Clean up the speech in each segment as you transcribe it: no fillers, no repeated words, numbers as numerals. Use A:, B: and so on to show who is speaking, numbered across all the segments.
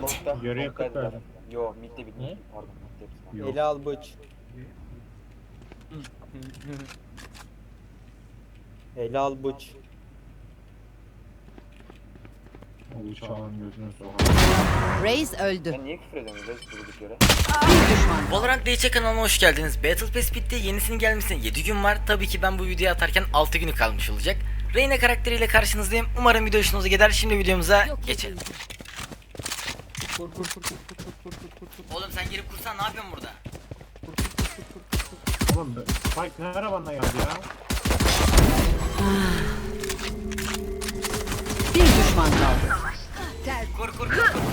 A: Long'da.
B: Yarıya
A: Long'daydı
B: 40 verdim.
A: zaten. Yo midde bitti.
B: Ne?
A: Pardon midde bitti.
B: Yok.
C: Eli al bıç. Eli al bıç.
B: O uçağın gözünü soğan.
D: Reis öldü.
A: Sen niye küfür ediyorsun Reis durduk yere?
D: Bir düşman.
E: Valorant DC kanalına hoş geldiniz. Battle Pass bitti. Yenisinin gelmesine 7 gün var. Tabii ki ben bu videoyu atarken 6 günü kalmış olacak. Reyna karakteriyle karşınızdayım. Umarım video hoşunuza gider. Şimdi videomuza geçelim.
C: Kur.
E: Oğlum sen girip kursan ne yapıyorsun burada?
B: Oğlum Spike ne arabanla geldi ya?
D: Bir düşman kaldı.
E: Kur.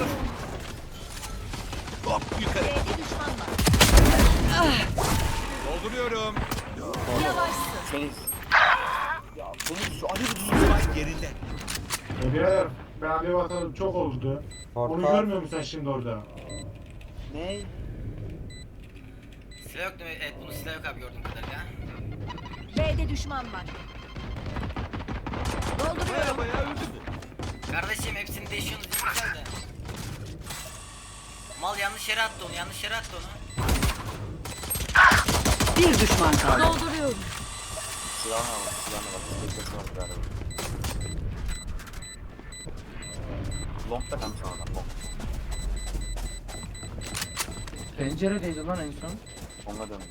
F: Dolduruyorum.
A: Reis. Ya bunu şu Ali bir
F: Spike yerinde.
B: Birader ben abi bakalım çok oldu. Onu
C: Portal.
B: görmüyor musun sen şimdi orada?
A: Ne?
E: Silah yok değil mi? Evet bunun silah yok abi gördüğüm kadarıyla.
D: B'de düşman var. Dolduruyorum.
F: Bayağı öldü bu.
E: Kardeşim hepsini değişiyorsunuz değil güzel de. Mal yanlış yere attı onu.
D: Bir düşman kaldı. Dolduruyorum.
A: Silahını al. Silahını bak. Silahını var galiba. Long'da kalmış adam. Long.
G: Penceredeydi lan en son.
A: Long'a dön.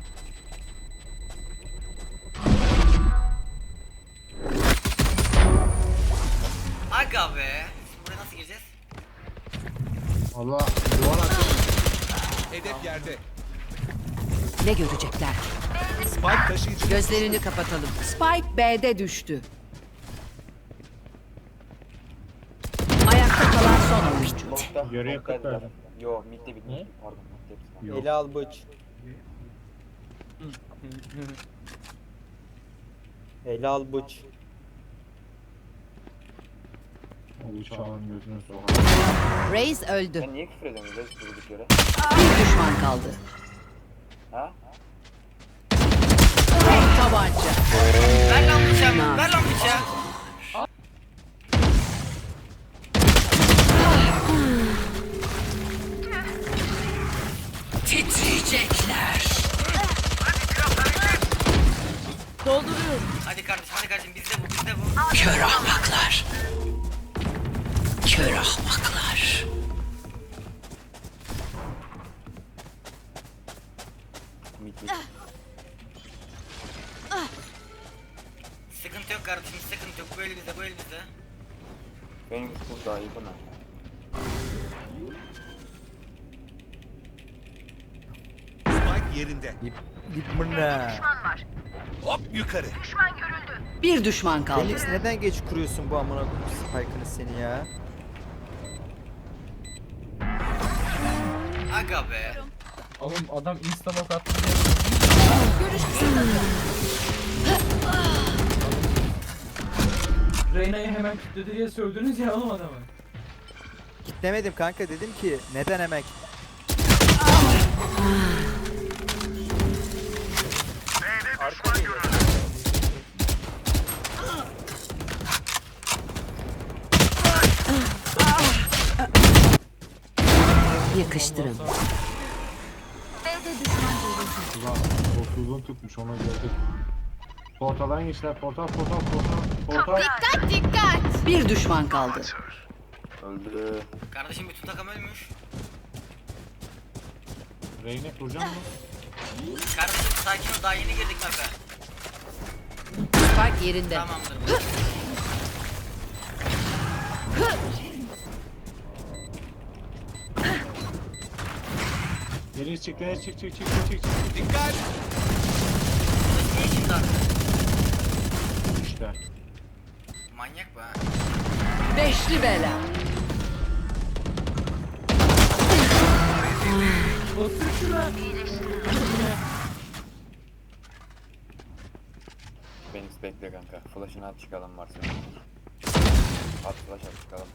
E: Aga be. Şimdi buraya nasıl gireceğiz?
B: Allah duvar açıyor.
F: Hedef yerde.
D: Ne görecekler?
F: Spike taşıyıcı.
D: Gözlerini kapatalım. Spike B'de düştü. Ayakta kalan son oyuncu.
A: Long'da.
B: Yarıya
A: Long'daydı
B: 40 verdim.
A: zaten. Yo midde bitti.
B: Ne?
A: Pardon midde bitti.
B: Yok.
C: Eli al bıç. Eli al bıç.
B: O uçağın gözünü soğan.
D: Reis öldü.
A: Sen niye küfür ediyorsun Reis durduk yere?
D: Bir düşman kaldı.
A: Ha?
D: Tek tabanca.
E: Ver lan bıçağı. Ver lan bıçağı.
D: Titriyecekler. Dolduruyorum.
E: Hadi kardeşim bizde bu.
D: Kör ahmaklar. Kör ahmaklar.
A: Midde.
E: Sıkıntı yok kardeşim sıkıntı yok. Bu el bizde.
A: Benim kız daha iyi buna.
F: Spike yerinde. Hop yukarı.
D: Bir düşman kaldı.
C: Felix neden geç kuruyorsun bu amına koyayım spike'ını seni ya?
E: Aga be.
G: Oğlum adam instamok attı. Reyna'yı hemen kilitledi diye sövdünüz ya oğlum adamı.
C: Demedim kanka, dedim ki neden hemen
D: Yakıştırın.
B: Ulan uzun tutmuş ona gördük. Portaldan geçtiler. Portal.
D: Bir düşman kaldı.
A: Öldü.
E: Kardeşim bütün takım ölmüş.
B: Reyne kuracağım mı?
E: Kardeşim sakin ol daha yeni girdik map'e.
D: Spike yerinde.
E: Tamamdır.
B: Geri çık.
F: Dikkat.
E: Niye şimdi artık?
B: İşte.
E: Manyak bu ha.
D: Beşli bela.
G: Otur şuna.
A: Phoenix bekle kanka. Flash'ını at çıkalım varsa. At flash at çıkalım.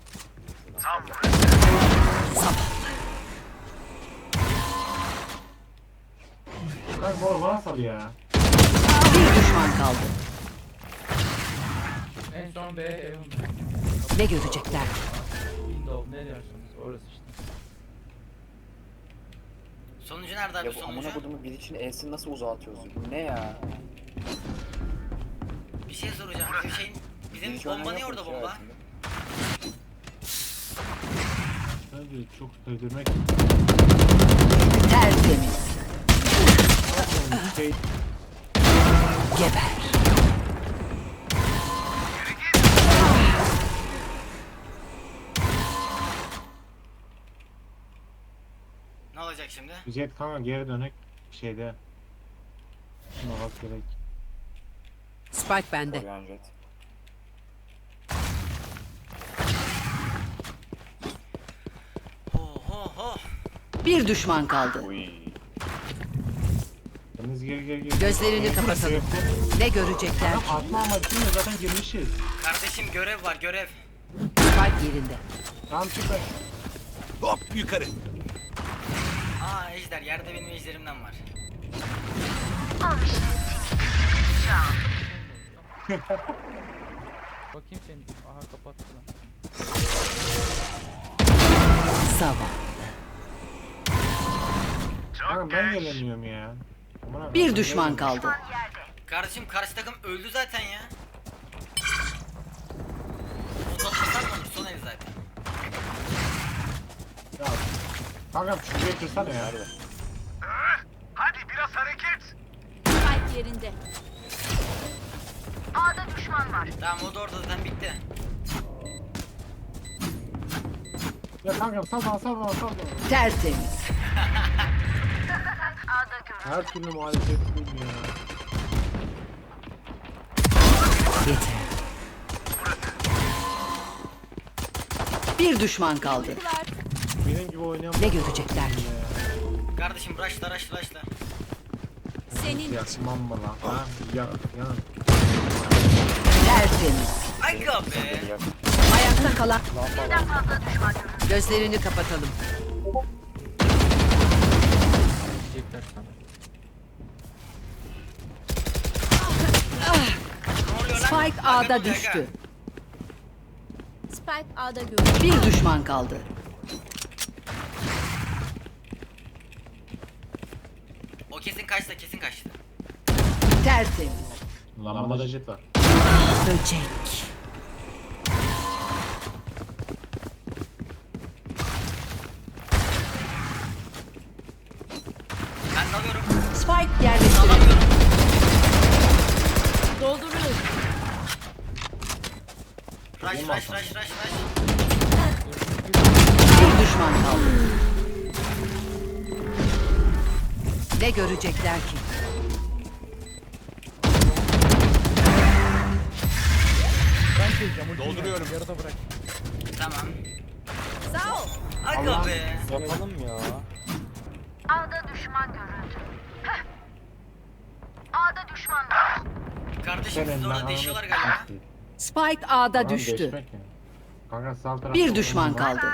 B: Lan bu bana sal ya.
D: Bir düşman kaldı.
G: En son B.
D: Ne görecekler?
G: Windows ne diyorsunuz? Orası işte.
E: Sonuncu nerede abi
A: Ya bu
E: sonuncu?
A: amına kodumun bir için E'sini nasıl uzatıyoruz? Bu ne ya?
E: Bir şey soracağım. Bizim
A: Hiç
E: bomba
A: önlem
E: niye orada
A: yokmuş ya
E: bomba?
A: aslında.
B: Tabii çok sevdirmek.
D: Tertemiz.
B: Şey,
D: Geber.
E: Ne olacak şimdi?
B: Jet kanka geri dönek şeyde. Şuna bak gerek.
D: Spike bende.
A: Korean Jet.
E: Ho ho ho.
D: Bir düşman kaldı.
A: Uy.
B: Deniz geri.
D: Gözlerini kapatalım. Ne görecekler?
B: Tamam atma ama şimdi zaten girmişiz.
E: Kardeşim görev var görev.
D: Spike yerinde.
B: Tamam çık lan.
F: Hop yukarı.
E: Aa ejder yerde benim ejderimden var.
G: Bakayım senin. Aha kapattı lan.
D: Sabah.
B: Kanka ben gelemiyorum ya. Aman
D: Bir
B: Allah'ım,
D: düşman
B: gelemiyorum.
D: kaldı.
E: Kardeşim karşı takım öldü zaten ya. O toplasan mı olur son el zaten.
B: Ya, kankam şuraya kırsana ya.
A: Nerede?
H: Spike yerinde.
E: Tamam o da orada zaten bitti.
B: Ya kankam sal bana.
D: Tertemiz.
B: Her türlü muhalefetliyim ya.
D: Yeter. Bir düşman kaldı.
B: Benim gibi oynayan
D: Ne görecekler ki?
E: Kardeşim rushla.
H: Senin
B: Yakmam mı lan? Ha? Ya.
D: Tertemiz.
E: Aga be.
A: Ya,
D: Ayakta kalan. Gözlerini kapatalım.
G: Diyecekler sana.
E: Ne oluyor lan?
D: Spike
E: Aga
D: A'da
E: dur,
D: düştü.
E: aga.
H: Spike A'da görüldü.
D: Bir düşman kaldı.
E: O kesin kaçtı.
D: Tertemiz.
B: Lambada jet var.
D: Böcek.
E: Ben de alıyorum.
D: Spike yerleştirildi.
E: Alamıyorum.
H: Dolduruyorum.
E: Rush.
D: Bir düşman kaldı. Ne görecekler ki?
G: Ben çekeceğim. ultiyi
F: Dolduruyorum.
G: Yarıda bırak.
E: Tamam.
H: Sağ ol.
E: Aga be.
A: yapalım ya.
E: Kardeşim siz
B: Senin
E: orada
B: ben
E: değişiyorlar
B: anladım.
E: galiba.
D: Spike A'da
B: Tamam,
D: düştü.
B: değişmek ya. Kanka sağ tarafta
D: Bir düşman
B: oynayan var.
D: kaldı.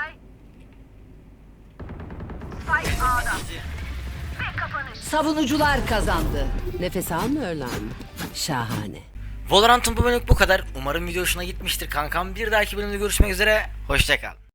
D: Savunucular kazandı. Nefes almıyorlar mı? Şahane.
E: Valorant'ın bu bölümlük bu kadar. Umarım video hoşuna gitmiştir kankam. Bir dahaki bölümde görüşmek üzere. Hoşça kal.